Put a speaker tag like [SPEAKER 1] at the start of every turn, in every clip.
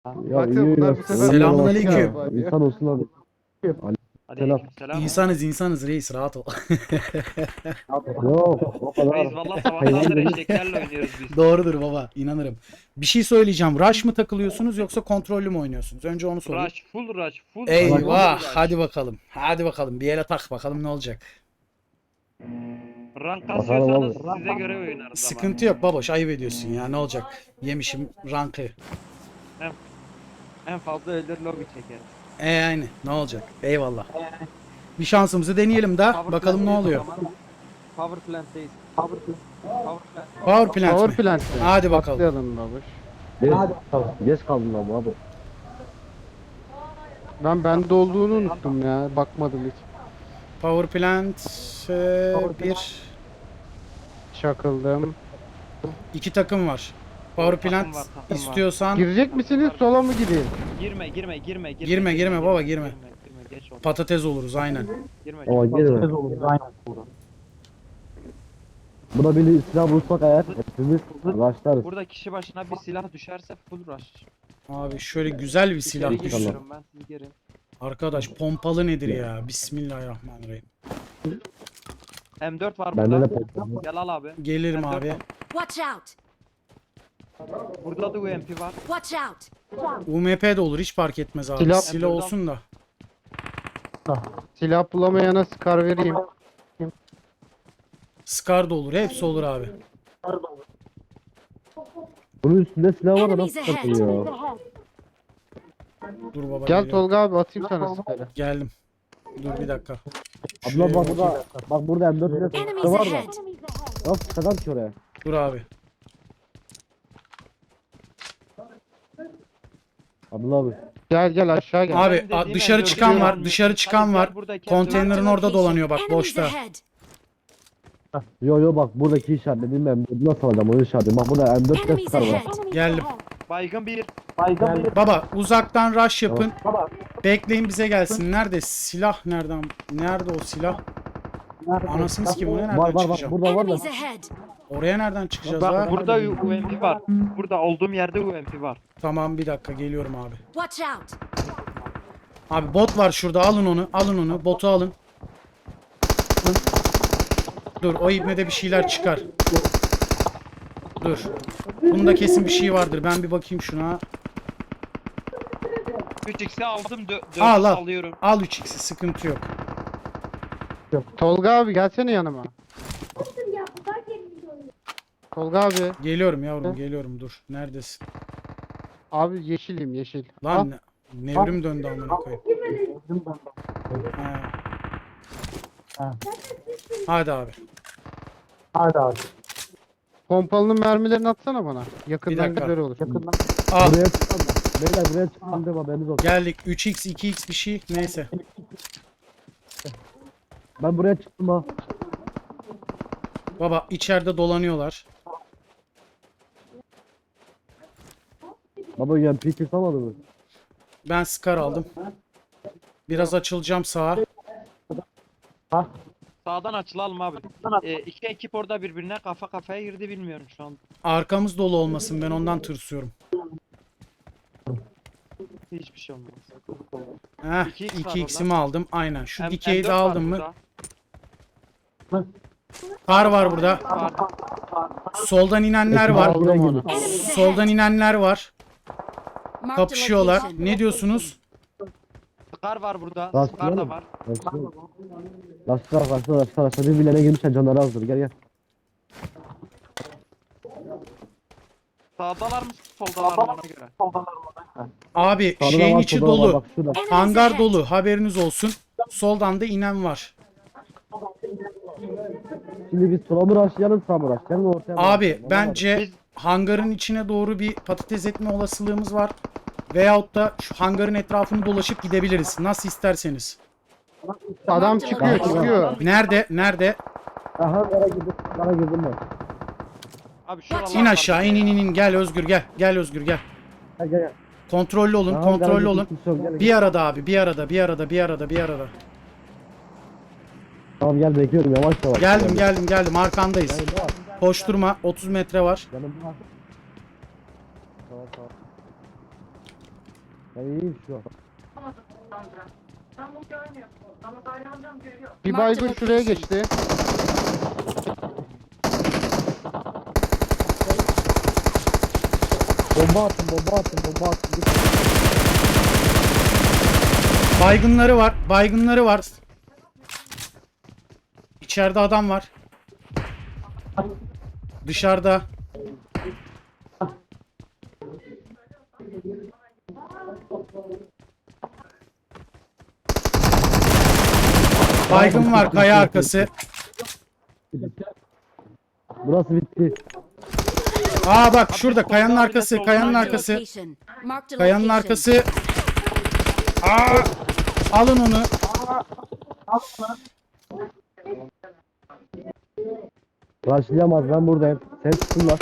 [SPEAKER 1] Ya
[SPEAKER 2] Bak
[SPEAKER 1] iyi
[SPEAKER 2] sen bunlar
[SPEAKER 1] ya.
[SPEAKER 2] bu sefer
[SPEAKER 3] Selamünaleyküm.
[SPEAKER 1] İnsan olsun abi. Selam.
[SPEAKER 4] Aleykümselam.
[SPEAKER 3] İnsanız reis rahat ol.
[SPEAKER 1] Yok o kadar.
[SPEAKER 4] Reis valla sabahtandır eşeklerle oynuyoruz biz.
[SPEAKER 3] Doğrudur baba, inanırım. Bir şey söyleyeceğim. Rush mı takılıyorsunuz yoksa kontrollü mü oynuyorsunuz? Önce onu sorayım.
[SPEAKER 4] Rush, full rush, full
[SPEAKER 3] Eyvah,
[SPEAKER 4] rush.
[SPEAKER 3] hadi bakalım. Hadi bakalım. Bir ele tak bakalım ne olacak.
[SPEAKER 4] Rank
[SPEAKER 1] Bakalım
[SPEAKER 4] kasıyorsanız
[SPEAKER 1] abi.
[SPEAKER 4] size göre oynarız ama.
[SPEAKER 3] Sıkıntı yok baboş, ayıp ediyorsun ya. Ne olacak? Yemişim rankı.
[SPEAKER 4] En fazla ölür lobi çekeriz.
[SPEAKER 3] Aynı. Ne olacak? Eyvallah. Bir şansımızı deneyelim de
[SPEAKER 4] Power
[SPEAKER 3] bakalım ne
[SPEAKER 4] plant'teyiz
[SPEAKER 3] oluyor.
[SPEAKER 4] o zaman. Power plant'teyiz. Power plant.
[SPEAKER 3] Power plant
[SPEAKER 2] Power
[SPEAKER 3] mi?
[SPEAKER 2] plant.
[SPEAKER 3] Hadi bakalım.
[SPEAKER 2] Atlayalım babuş.
[SPEAKER 1] Geç kaldım lan bu abi.
[SPEAKER 2] Ben bende olduğunu unuttum ya. Bakmadım hiç.
[SPEAKER 3] Power plant bir
[SPEAKER 2] Çakıldım.
[SPEAKER 3] iki takım var. Power plant
[SPEAKER 4] Takım var.
[SPEAKER 3] istiyorsan
[SPEAKER 2] Girecek misiniz? Sola mı gireyim?
[SPEAKER 4] Girme.
[SPEAKER 3] Girme baba, girme.
[SPEAKER 4] Geç oldu.
[SPEAKER 3] patates oluruz aynen.
[SPEAKER 4] Girme.
[SPEAKER 1] Ama girme. Buna bir silah bulsak eğer hepimiz başlarız.
[SPEAKER 4] Burada kişi başına bir silah düşerse full rush.
[SPEAKER 3] Abi şöyle güzel bir silah
[SPEAKER 4] İçeri
[SPEAKER 3] düşsün.
[SPEAKER 4] giriyorum ben, siz girin.
[SPEAKER 3] Arkadaş pompalı nedir ya? Bismillahirrahmanirrahim.
[SPEAKER 4] M4 var
[SPEAKER 1] Bende de
[SPEAKER 4] burada.
[SPEAKER 1] patladı.
[SPEAKER 4] Gel al abi.
[SPEAKER 3] Gelirim
[SPEAKER 4] M4
[SPEAKER 3] abi.
[SPEAKER 4] var.
[SPEAKER 5] Watch out!
[SPEAKER 4] Burada da UMP var.
[SPEAKER 5] Watch out!
[SPEAKER 3] UMP de olur, hiç fark etmez abi.
[SPEAKER 2] Silah-
[SPEAKER 3] Silah olsun da.
[SPEAKER 2] Silah bulamayana Scar vereyim.
[SPEAKER 3] Scar da olur, hepsi olur abi.
[SPEAKER 1] Bunun üstünde silah var da
[SPEAKER 5] Enemies
[SPEAKER 1] nasıl
[SPEAKER 5] ahead!
[SPEAKER 1] takılıyor?
[SPEAKER 3] Dur baba,
[SPEAKER 2] Gel
[SPEAKER 3] geliyorum.
[SPEAKER 2] Tolga abi atayım sana Scar'ı.
[SPEAKER 3] Geldim. Dur bir dakika.
[SPEAKER 1] Abla bak burada M4 ile
[SPEAKER 5] Enemies
[SPEAKER 1] var da.
[SPEAKER 5] ahead!
[SPEAKER 1] Nasıl çıkacağım ki oraya?
[SPEAKER 3] Dur abi.
[SPEAKER 1] Abla abi.
[SPEAKER 2] Gel aşağı gel.
[SPEAKER 3] Abi
[SPEAKER 4] Benim dediğim
[SPEAKER 3] dışarı
[SPEAKER 4] M4
[SPEAKER 3] çıkan var,
[SPEAKER 4] diyorum.
[SPEAKER 3] dışarı çıkan var.
[SPEAKER 4] Gel buradaki
[SPEAKER 3] Konteynerin orada dolanıyor bak,
[SPEAKER 5] Enemies
[SPEAKER 3] boşta.
[SPEAKER 5] ahead!
[SPEAKER 1] Yo bak buradaki işaretledim ben. Nasıl alacağım onu işaretledim. Bak burada M4 ile
[SPEAKER 5] Enemies
[SPEAKER 1] çıkar var.
[SPEAKER 5] ahead!
[SPEAKER 3] Geldim.
[SPEAKER 4] Baygın bir.
[SPEAKER 3] Baba uzaktan rush yapın. Bekleyin bize gelsin. Nerede? Silah nereden? Nerede o silah? Anasını sikeyim, oraya nereden
[SPEAKER 1] Var
[SPEAKER 3] çıkacağım?
[SPEAKER 1] burada var da.
[SPEAKER 5] Enemies ahead!
[SPEAKER 3] Oraya nereden çıkacağız
[SPEAKER 4] Bak
[SPEAKER 3] ha?
[SPEAKER 4] burada UMP var. Burada olduğum yerde UMP var.
[SPEAKER 3] Tamam bir dakika geliyorum abi.
[SPEAKER 5] Watch out!
[SPEAKER 3] Abi bot var şurada, alın onu. Alın onu. Botu alın. Dur, o ibnede bir şeyler çıkar. Dur. Bunda kesin bir şey vardır. Ben bir bakayım şuna.
[SPEAKER 4] 3x'i aldım, 4'ü
[SPEAKER 3] Al al.
[SPEAKER 4] alıyorum.
[SPEAKER 3] Al 3x'i, sıkıntı yok.
[SPEAKER 2] Tolga abi gelsene yanıma. Tolga abi.
[SPEAKER 3] Geliyorum yavrum, geliyorum, dur. Neredesin?
[SPEAKER 2] Abi yeşilim yeşil.
[SPEAKER 3] Lan nevrim döndü amına koyayım. Ha. Hadi abi.
[SPEAKER 2] Pompalının mermilerini atsana bana.
[SPEAKER 3] Bir
[SPEAKER 2] Yakından
[SPEAKER 3] dakika.
[SPEAKER 2] güzel olur.
[SPEAKER 3] Al.
[SPEAKER 1] Buraya çıkmam da. Beyler buraya çıkmam de haberiniz olsun.
[SPEAKER 3] Geldik. 3x 2x bir şey. Neyse.
[SPEAKER 1] Ben buraya çıktım ha.
[SPEAKER 3] Baba içeride dolanıyorlar.
[SPEAKER 1] Baba UMP çıkamadı mı?
[SPEAKER 3] Ben Scar aldım. Biraz açılacağım sağa.
[SPEAKER 4] Sağdan açılalım abi. İki ekip orada birbirine kafa kafaya girdi, bilmiyorum şu an.
[SPEAKER 3] Arkamız dolu olmasın, ben ondan tırsıyorum.
[SPEAKER 4] Hiçbir şey olmaz.
[SPEAKER 3] Heh,
[SPEAKER 4] 2x var
[SPEAKER 3] 2x'imi aldım. Aynen. Şu dikeyi
[SPEAKER 4] M4
[SPEAKER 3] de
[SPEAKER 4] var
[SPEAKER 3] aldım mı?
[SPEAKER 4] burada.
[SPEAKER 3] Kar var burada.
[SPEAKER 4] Var.
[SPEAKER 3] Soldan inenler var.
[SPEAKER 1] Aldım onu.
[SPEAKER 5] Enemies
[SPEAKER 3] Soldan
[SPEAKER 5] ahead!
[SPEAKER 3] inenler var.
[SPEAKER 5] Marked a
[SPEAKER 3] Kapışıyorlar.
[SPEAKER 5] location.
[SPEAKER 3] Ne diyorsunuz?
[SPEAKER 4] Skar var burada.
[SPEAKER 1] Lastik
[SPEAKER 4] Skar
[SPEAKER 1] var
[SPEAKER 4] da
[SPEAKER 1] mı?
[SPEAKER 4] var.
[SPEAKER 1] Lastik. Birbirlerine girmişler canları azdır. Gel.
[SPEAKER 4] Sağdalar mı soldalar mı, ona göre.
[SPEAKER 3] Abi
[SPEAKER 1] Sağda da
[SPEAKER 3] şeyin
[SPEAKER 1] var,
[SPEAKER 3] içi
[SPEAKER 1] solda da var.
[SPEAKER 3] dolu.
[SPEAKER 1] Bak şurada.
[SPEAKER 5] Enemies
[SPEAKER 3] Hangar
[SPEAKER 5] ahead!
[SPEAKER 3] dolu. Haberiniz olsun. Soldan da inen var.
[SPEAKER 1] Şimdi biz sola mı rushlayalım sağa mı rushlayalım ortaya mı
[SPEAKER 3] Abi
[SPEAKER 1] rushlayalım?
[SPEAKER 3] bence
[SPEAKER 4] Biz-
[SPEAKER 3] hangarın içine doğru bir patates etme olasılığımız var. Veyahut da şu hangarın etrafını dolaşıp gidebiliriz. Nasıl isterseniz.
[SPEAKER 2] Adam çıkıyor çıkıyor.
[SPEAKER 3] Nerede? Nerede?
[SPEAKER 1] Aha kara girdim ben.
[SPEAKER 4] Abi şuralar
[SPEAKER 3] İn
[SPEAKER 4] var.
[SPEAKER 3] aşağı, in. Gel Özgür gel. Gel Özgür gel.
[SPEAKER 1] Gel.
[SPEAKER 3] Kontrollü olun,
[SPEAKER 1] Aha,
[SPEAKER 3] kontrollü
[SPEAKER 1] kara
[SPEAKER 3] olun.
[SPEAKER 1] girdim, gel.
[SPEAKER 3] Bir arada abi, bir arada.
[SPEAKER 1] Tamam gel bekliyorum yavaş yavaş.
[SPEAKER 3] Geldim. Arkandayız. Koşturma. 30 metre var.
[SPEAKER 1] Yanımda. Tamam. Ben iyiyim şu an.
[SPEAKER 2] Bir
[SPEAKER 5] Marked
[SPEAKER 2] baygın şuraya
[SPEAKER 5] location.
[SPEAKER 2] geçti.
[SPEAKER 1] Bomba attım, bomba attım, bomba attım.
[SPEAKER 3] Baygınları var. Baygınları var. İçeride adam var. Dışarıda. Baygın var kaya arkası.
[SPEAKER 1] Burası bitti.
[SPEAKER 3] Aa bak şurada kayanın arkası, kayanın
[SPEAKER 5] Marked a
[SPEAKER 3] arkası.
[SPEAKER 5] location. Marked a
[SPEAKER 3] Kayanın
[SPEAKER 5] location.
[SPEAKER 3] arkası. Aa! Alın onu.
[SPEAKER 1] Rushlayamaz, ben buradayım. Sen tutsunlar.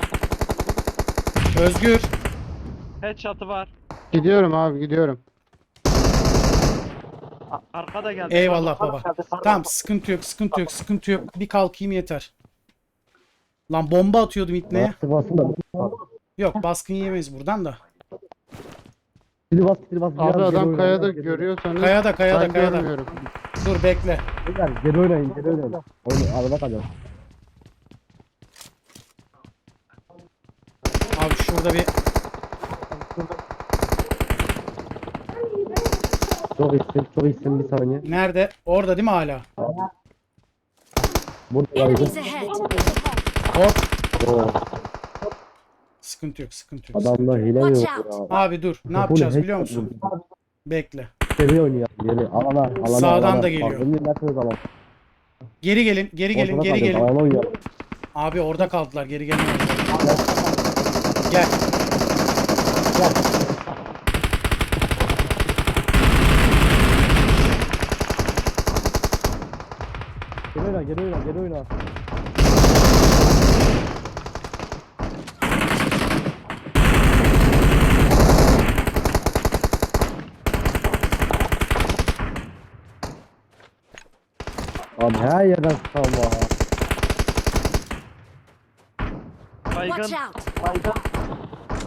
[SPEAKER 3] Özgür.
[SPEAKER 4] Headshot'ı var.
[SPEAKER 2] Gidiyorum abi gidiyorum.
[SPEAKER 4] Arkada geldi.
[SPEAKER 3] Eyvallah baba. Tamam sıkıntı yok, sıkıntı yok, sıkıntı yok. Bir kalkayım yeter. Lan bomba atıyordum ipneye.
[SPEAKER 1] Sıkmasın da.
[SPEAKER 3] Yok baskın yemeyiz buradan da.
[SPEAKER 1] Kili bas, kili bas.
[SPEAKER 2] Abi
[SPEAKER 1] Biraz geri
[SPEAKER 2] adam
[SPEAKER 1] oynayın,
[SPEAKER 2] kayada
[SPEAKER 1] biraz geri
[SPEAKER 2] görüyorsanız
[SPEAKER 3] Kayada, kayada,
[SPEAKER 2] ben
[SPEAKER 3] kayada.
[SPEAKER 2] görmüyorum.
[SPEAKER 3] Dur bekle.
[SPEAKER 1] oynayın. Geri oynayın, geri oynayın. Oyun, arada kalacağız.
[SPEAKER 3] Abi şurada bir
[SPEAKER 1] Çok iyisin, çok iyisin, bir saniye.
[SPEAKER 3] nerede? Orada değil mi hala?
[SPEAKER 1] Burada
[SPEAKER 5] Enemies
[SPEAKER 1] var.
[SPEAKER 5] ahead.
[SPEAKER 3] Hop.
[SPEAKER 1] Oo,
[SPEAKER 3] Sıkıntı yok, sıkıntı yok.
[SPEAKER 1] adamda hile yok
[SPEAKER 5] Watch
[SPEAKER 1] ya.
[SPEAKER 3] Abi dur. Ne yapacağız biliyor musun? Bekle.
[SPEAKER 1] Geri oynuyor, geri. Alana.
[SPEAKER 3] Sağdan da geliyor.
[SPEAKER 1] Bak, nersiniz alan.
[SPEAKER 3] Geri gelin, geri gelin,
[SPEAKER 1] Ortada
[SPEAKER 3] geri
[SPEAKER 1] kalacağız,
[SPEAKER 3] gelin.
[SPEAKER 1] alana oynuyor.
[SPEAKER 3] Abi orada kaldılar, geri gelin. Gel.
[SPEAKER 1] Geri oyna, geri oyna, geri oyna. Abi her yerden sıkalım ha.
[SPEAKER 4] Baygın.
[SPEAKER 5] Watch out.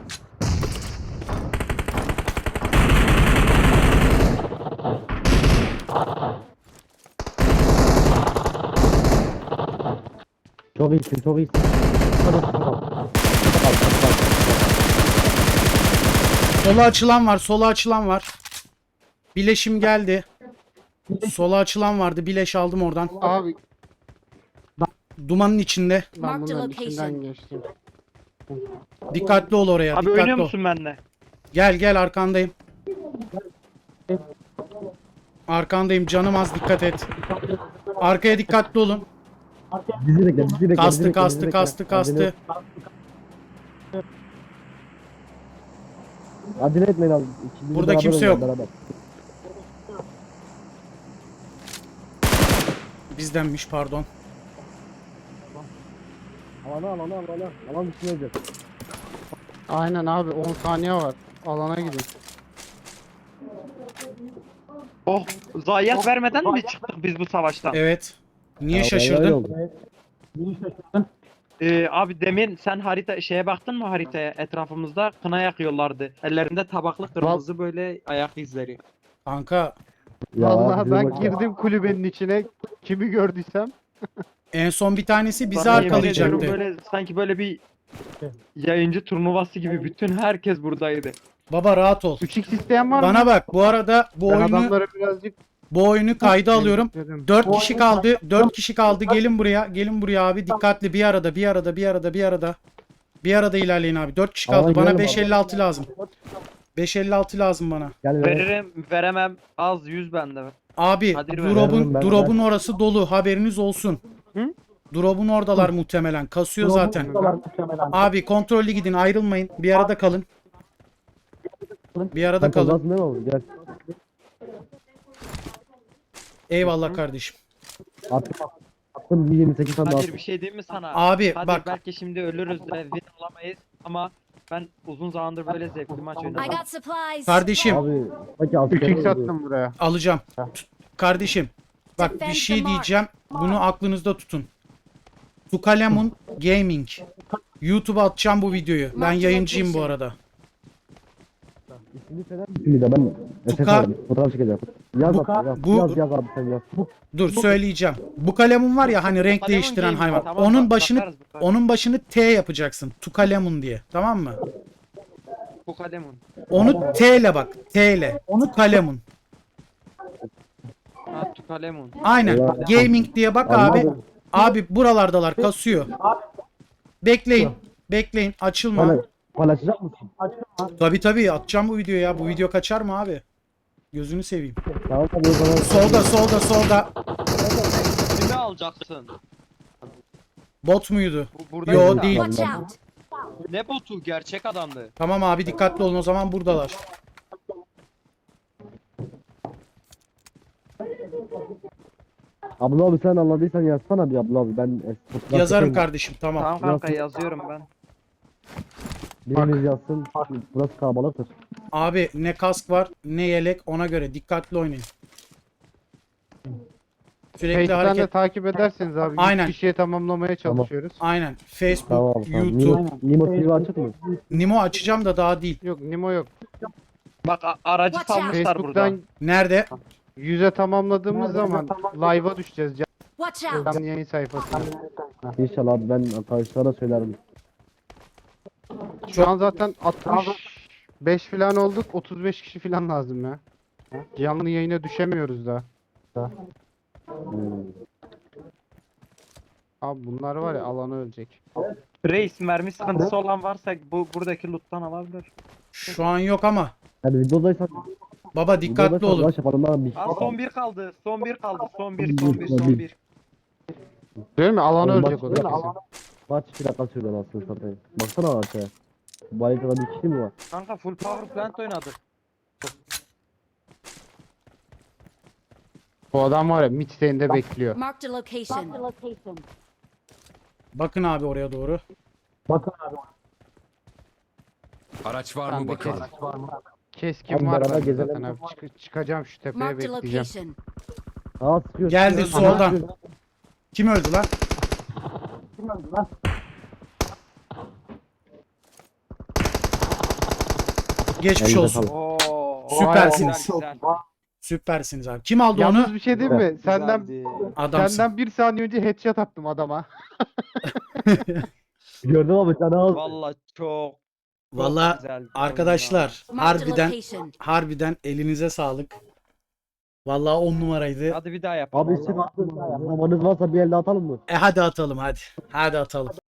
[SPEAKER 1] Çok iyisin, çok iyisin.
[SPEAKER 3] Sola açılan var, sola açılan var. Bileşim geldi. Sola açılan vardı, bileş aldım oradan.
[SPEAKER 2] Abi
[SPEAKER 3] Dumanın içinde.
[SPEAKER 2] ben
[SPEAKER 5] Marked
[SPEAKER 2] bunların
[SPEAKER 5] location.
[SPEAKER 2] içinden geçtim.
[SPEAKER 3] Dikkatli ol oraya,
[SPEAKER 4] Abi
[SPEAKER 3] dikkatli
[SPEAKER 4] oynuyor
[SPEAKER 3] ol.
[SPEAKER 4] musun benimle?
[SPEAKER 3] Gel gel arkandayım. Arkandayım canım az dikkat et. Arkaya dikkatli olun.
[SPEAKER 1] Bizi bekle, bizi bekle. bizi
[SPEAKER 3] Kastı
[SPEAKER 1] bekle,
[SPEAKER 3] kastı
[SPEAKER 1] bizi bekle.
[SPEAKER 3] kastı kastı.
[SPEAKER 1] Acele etmeyin abi. İkimiz
[SPEAKER 3] Burada
[SPEAKER 1] beraber
[SPEAKER 3] kimse
[SPEAKER 1] oynayalım,
[SPEAKER 3] yok.
[SPEAKER 1] beraber.
[SPEAKER 3] Bizdenmiş pardon.
[SPEAKER 1] Alana. Alan dışına olacak.
[SPEAKER 2] Aynen abi 10 saniye var. Alana gidin.
[SPEAKER 4] Oh, zayiat vermeden mi çıktık biz bu savaştan?
[SPEAKER 3] Evet. Niye
[SPEAKER 1] Ya, öyle
[SPEAKER 3] şaşırdın?
[SPEAKER 1] oldu.
[SPEAKER 4] Abi demin sen harita şeye baktın mı haritaya? Etrafımızda kına yakıyorlardı. Ellerinde tabaklı kırmızı böyle ayak izleri.
[SPEAKER 3] Kanka
[SPEAKER 1] Ya,
[SPEAKER 2] Vallahi
[SPEAKER 1] bize
[SPEAKER 2] ben
[SPEAKER 1] bak-
[SPEAKER 2] girdim kulübenin içine. Kimi gördüysem.
[SPEAKER 3] en son bir tanesi bizi
[SPEAKER 4] Sana yemin ediyorum
[SPEAKER 3] arkalayacaktı.
[SPEAKER 4] böyle sanki böyle bir yayıncı turnuvası gibi bütün herkes buradaydı.
[SPEAKER 3] Baba rahat ol.
[SPEAKER 2] 3x isteyen var mı?
[SPEAKER 3] Bana bak bu arada bu
[SPEAKER 2] Ben
[SPEAKER 3] oyunu
[SPEAKER 2] adamlara birazcık
[SPEAKER 3] kayda alıyorum.
[SPEAKER 2] dedim.
[SPEAKER 3] 4 kişi kaldı. 4 kişi kaldı. Gelin buraya. Gelin buraya abi. Dikkatli bir arada. Bir arada ilerleyin abi. 4 kişi kaldı.
[SPEAKER 1] Aman
[SPEAKER 3] Bana
[SPEAKER 1] gelin
[SPEAKER 3] 556 lazım. 556 lazım bana.
[SPEAKER 1] Gel ver.
[SPEAKER 4] Veririm, veremem. Az 100 bende.
[SPEAKER 3] Abi
[SPEAKER 4] Hadi ver.
[SPEAKER 1] Veririm ben,
[SPEAKER 3] drop'un orası dolu. Haberiniz olsun.
[SPEAKER 4] Hı?
[SPEAKER 3] Drop'un oradalar muhtemelen. Kasıyor zaten. Abi kontrollü gidin. Ayrılmayın. Bir arada kalın. Bir arada
[SPEAKER 1] Sen
[SPEAKER 3] kalın.
[SPEAKER 1] kazansın değil mi oğlum? Gel.
[SPEAKER 3] Eyvallah kardeşim.
[SPEAKER 1] Attım bir 28 tane daha.
[SPEAKER 4] Kadir bir şey diyeyim mi sana?
[SPEAKER 3] Abi
[SPEAKER 4] Kadir
[SPEAKER 3] bak.
[SPEAKER 4] belki şimdi ölürüz de win alamayız ama ben uzun zamandır böyle zevkli maç
[SPEAKER 5] I
[SPEAKER 4] oynadım.
[SPEAKER 5] got supplies.
[SPEAKER 3] Kardeşim
[SPEAKER 1] Abi bak ya
[SPEAKER 2] 3x attım buraya.
[SPEAKER 3] alacağım. Kardeşim. Bak bir şey diyeceğim. Bunu aklınızda tutun. Tukalemun Gaming. YouTube'a atacağım bu videoyu. Ben yayıncıyım bu arada.
[SPEAKER 1] Şimdi söyler misin bir de ben
[SPEAKER 3] Tuka-
[SPEAKER 1] fotoğraf çekeceğim. Yaz abi yaz.
[SPEAKER 3] bu-
[SPEAKER 1] Yaz abi sen yaz.
[SPEAKER 3] Dur söyleyeceğim. Bu kalemun var ya hani renk
[SPEAKER 4] Kalemun
[SPEAKER 3] değiştiren
[SPEAKER 4] değil mi?
[SPEAKER 3] hayvan.
[SPEAKER 4] Tamam,
[SPEAKER 3] Onun başını
[SPEAKER 4] bakarız, bakarız.
[SPEAKER 3] onun başını T yapacaksın. Tukalemun diye. Tamam mı?
[SPEAKER 4] Bu kalemun.
[SPEAKER 3] Onu T ile bak. T ile. Tukalemun.
[SPEAKER 4] Ha, kalemun.
[SPEAKER 3] Aynen.
[SPEAKER 1] Ya.
[SPEAKER 3] Gaming diye bak abi.
[SPEAKER 1] Anladım.
[SPEAKER 3] Abi buralardalar kasıyor. Bekleyin. Bekleyin. Açılma.
[SPEAKER 1] Paylaşacak mısın?
[SPEAKER 3] Tabii atacağım bu videoyu ya. Bu video kaçar mı abi? Gözünü seveyim.
[SPEAKER 1] Tamam tabii o zaman.
[SPEAKER 3] Solda.
[SPEAKER 4] Kimi alacaksın?
[SPEAKER 3] Bot muydu?
[SPEAKER 4] Burada
[SPEAKER 3] Yo,
[SPEAKER 4] işte.
[SPEAKER 3] değil.
[SPEAKER 5] Watch out!
[SPEAKER 4] Ne botu? Gerçek adamdı.
[SPEAKER 3] Tamam abi dikkatli olun o zaman buradalar.
[SPEAKER 1] Abla abi sen anladıysan yazsana bir abla abi. Ben fotoğraf
[SPEAKER 3] Yazarım
[SPEAKER 1] çekeyim.
[SPEAKER 3] kardeşim tamam.
[SPEAKER 4] Tamam kanka yazıyorum ben.
[SPEAKER 1] Biriniz yazsın. Burası kalabalıktır.
[SPEAKER 3] Abi ne kask var ne yelek ona göre dikkatli oynayın. Sürekli
[SPEAKER 2] Face'den de
[SPEAKER 3] hareket.
[SPEAKER 2] takip ederseniz abi.
[SPEAKER 3] Aynen.
[SPEAKER 2] 100 kişiye tamamlamaya çalışıyoruz.
[SPEAKER 3] Aynen. Facebook,
[SPEAKER 1] Tamam abi. Tamam.
[SPEAKER 3] YouTube.
[SPEAKER 1] Nimo TV açık mı?
[SPEAKER 3] Nimo açacağım da daha değil.
[SPEAKER 2] Yok Nimo yok.
[SPEAKER 4] Bak aracı
[SPEAKER 5] Watch out.
[SPEAKER 4] salmışlar burada.
[SPEAKER 2] Facebook'tan
[SPEAKER 3] Nerede?
[SPEAKER 2] 100'e tamamladığımız zaman live'a düşeceğiz.
[SPEAKER 5] Watch out!
[SPEAKER 2] Canlı yayın sayfasına.
[SPEAKER 1] İnşallah abi ben arkadaşlara söylerim.
[SPEAKER 2] Şu an zaten 65 falan olduk. 35 kişi falan lazım ya. Canlı yayına düşemiyoruz daha.
[SPEAKER 1] Hmm.
[SPEAKER 2] Abi bunlar var ya alanı ölecek.
[SPEAKER 4] Reis mermi sıkıntısı olan varsa buradaki loot'tan alabilir.
[SPEAKER 3] Şu an yok ama.
[SPEAKER 1] Yani videodaysan
[SPEAKER 3] Baba dikkatli olun.
[SPEAKER 1] Ulaş yapalım ben bir.
[SPEAKER 4] Aa, son bir kaldı. Son bir kaldı. Son bir.
[SPEAKER 2] Değil mi? Alanı
[SPEAKER 1] Oğlum
[SPEAKER 2] ölecek o da
[SPEAKER 1] bak-
[SPEAKER 2] kesin.
[SPEAKER 1] Maç 2 dakika sürdü anasını satayım. Baksana aşağıya. Bu haritada bir kişi mi var?
[SPEAKER 4] Kanka full power plant oynadık.
[SPEAKER 2] Bu adam var ya midstay'inde bekliyor.
[SPEAKER 5] Marked a location.
[SPEAKER 3] Bakın abi oraya doğru.
[SPEAKER 6] Araç var
[SPEAKER 2] Ben
[SPEAKER 6] mı
[SPEAKER 2] de
[SPEAKER 6] bakalım?
[SPEAKER 2] Keskin
[SPEAKER 1] Abi
[SPEAKER 2] var
[SPEAKER 1] beraber
[SPEAKER 2] bende
[SPEAKER 1] gezelim.
[SPEAKER 2] zaten abi. Çıkacağım şu tepeye
[SPEAKER 5] Marked a
[SPEAKER 2] bekleyeceğim.
[SPEAKER 5] location.
[SPEAKER 1] Aa sıkıyor.
[SPEAKER 3] Geldi
[SPEAKER 1] sıkıyor.
[SPEAKER 3] soldan.
[SPEAKER 1] Sıkıyor.
[SPEAKER 3] Kim öldü lan? Geçmiş
[SPEAKER 1] Elinde
[SPEAKER 3] olsun.
[SPEAKER 1] sağlık.
[SPEAKER 4] Oo.
[SPEAKER 3] Süpersiniz.
[SPEAKER 4] Güzel,
[SPEAKER 3] Süpersiniz abi. Kim aldı
[SPEAKER 2] Yalnız
[SPEAKER 3] onu?
[SPEAKER 2] bir şey değil mi? Senden
[SPEAKER 4] güzeldi.
[SPEAKER 3] Adamsın.
[SPEAKER 2] senden bir saniye önce headshot attım adama.
[SPEAKER 1] Gördüm abi sen al.
[SPEAKER 4] Valla çok
[SPEAKER 3] Valla
[SPEAKER 4] güzeldi.
[SPEAKER 3] arkadaşlar
[SPEAKER 5] Marked a
[SPEAKER 3] harbiden
[SPEAKER 5] location.
[SPEAKER 3] elinize sağlık. Valla 10 numaraydı.
[SPEAKER 4] Hadi bir daha yapalım.
[SPEAKER 1] Abi sık attın. Zamanınız varsa bir elde atalım mı?
[SPEAKER 3] Hadi atalım hadi. Hadi atalım.